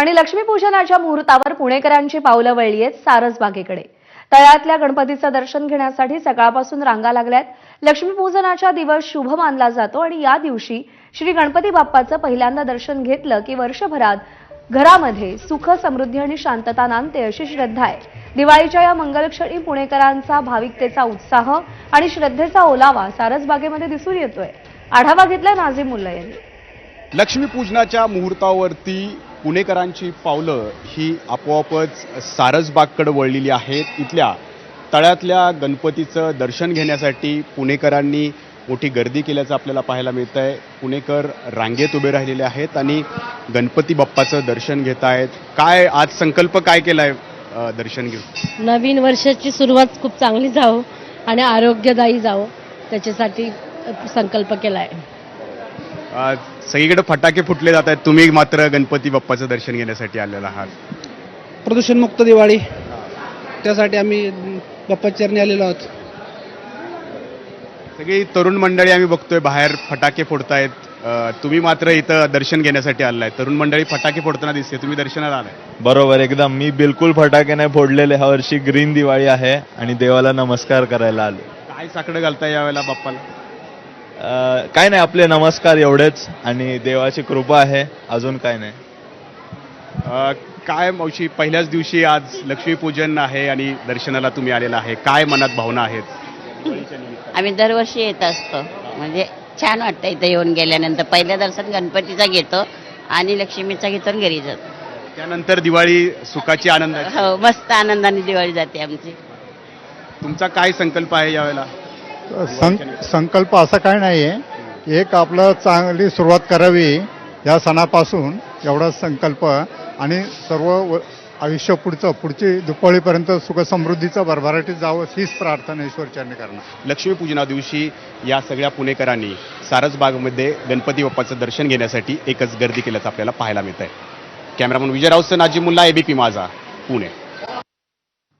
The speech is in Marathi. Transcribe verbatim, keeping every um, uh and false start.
आणि लक्ष्मीपूजनाच्या मुहूर्तावर पुणेकरांची पावलं वळली आहेत सारसबागेकडे। तळ्यातल्या गणपतीचं दर्शन घेण्यासाठी सकाळपासून रांगा लागल्यात। लक्ष्मीपूजनाचा दिवस शुभ मानला जातो आणि या दिवशी श्री गणपती बाप्पाचं पहिल्यांदा दर्शन घेतलं की वर्षभरात घरामध्ये सुख समृद्धी आणि शांतता नांदते अशी श्रद्धा आहे। दिवाळीच्या या मंगलक्षणी पुणेकरांचा भाविकतेचा उत्साह आणि श्रद्धेचा ओलावा सारसबागेमध्ये दिसून येतोय। आढावा घेतला नाझीम मुल्ला यांनी। लक्ष्मीपूजनाच्या मुहूर्तावरती पुणेकरांची पावलं ही आपोआपच सारसबागकडे वळलेली आहेत। इथल्या तळ्यातल्या गणपतीचं दर्शन घेण्यासाठी पुणेकरांनी मोठी गर्दी केल्याचं आपल्याला पाहायला मिळत आहे। पुणेकर रांगेत उभे राहिलेले आहेत आणि गणपती बाप्पाचं दर्शन घेत आहेत। काय आज संकल्प काय केलाय दर्शन घेऊन? नवीन वर्षाची सुरुवात खूप चांगली जावो आणि आरोग्यदायी जावो त्याच्यासाठी संकल्प केलाय। सगळीकडे फटाके फुटले जात आहेत, तुम्ही मात्र गणपती बाप्पाचं दर्शन घेण्यासाठी आलेला आहात। प्रदूषणमुक्त दिवाळी त्यासाठी आम्ही बाप्पाच्या चरणी आलेलो आहोत। सगळी तरुण मंडळी आम्ही बघतोय बाहेर फटाके फोडतायत, तुम्ही मात्र इथं दर्शन घेण्यासाठी आलाय। तरुण मंडळी फटाके फोडताना दिसते, तुम्ही दर्शनाला आलाय? बरोबर, एकदम। मी बिलकुल फटाके नाही फोडलेले। ह्या वर्षी ग्रीन दिवाळी आहे आणि देवाला नमस्कार करायला आलो। काय साकडं घालताय यावेळेला बाप्पाला? काय नाही, आपले नमस्कार एवढेच आणि देवाची कृपा आहे, अजून काय नाही। काय मावशी, पहिल्याच दिवशी आज लक्ष्मीपूजन आहे आणि दर्शनाला तुम्ही आलेला आहे, काय मनात भावना आहेत? आम्ही दरवर्षी येत असतो, म्हणजे छान वाटतं इथं येऊन गेल्यानंतर। पहिलं दर्शन गणपतीचा घेतो आणि लक्ष्मीचा घेतो आणि घरी जातो। त्यानंतर दिवाळी सुखाची आनंद। हो, मस्त आनंदाने दिवाळी जाते आमची। तुमचा काय संकल्प आहे यावेळेला? सं संकल्प असा काय नाही आहे, एक आपलं चांगली सुरुवात करावी या सणापासून एवढा संकल्प आणि सर्व आयुष्य पुढचं पुढची दुपाळीपर्यंत सुखसमृद्धीचं भरभराटीत जावं हीच प्रार्थना ईश्वरचरणी करणार। लक्ष्मीपूजना दिवशी या सगळ्या पुणेकरांनी सारसबागमध्ये गणपती बाप्पाचं दर्शन घेण्यासाठी एकच गर्दी केल्याचं आपल्याला पाहायला मिळत आहे। Cameraman Vijay Raut, Nazim Mulla, ABP Majha, Pune.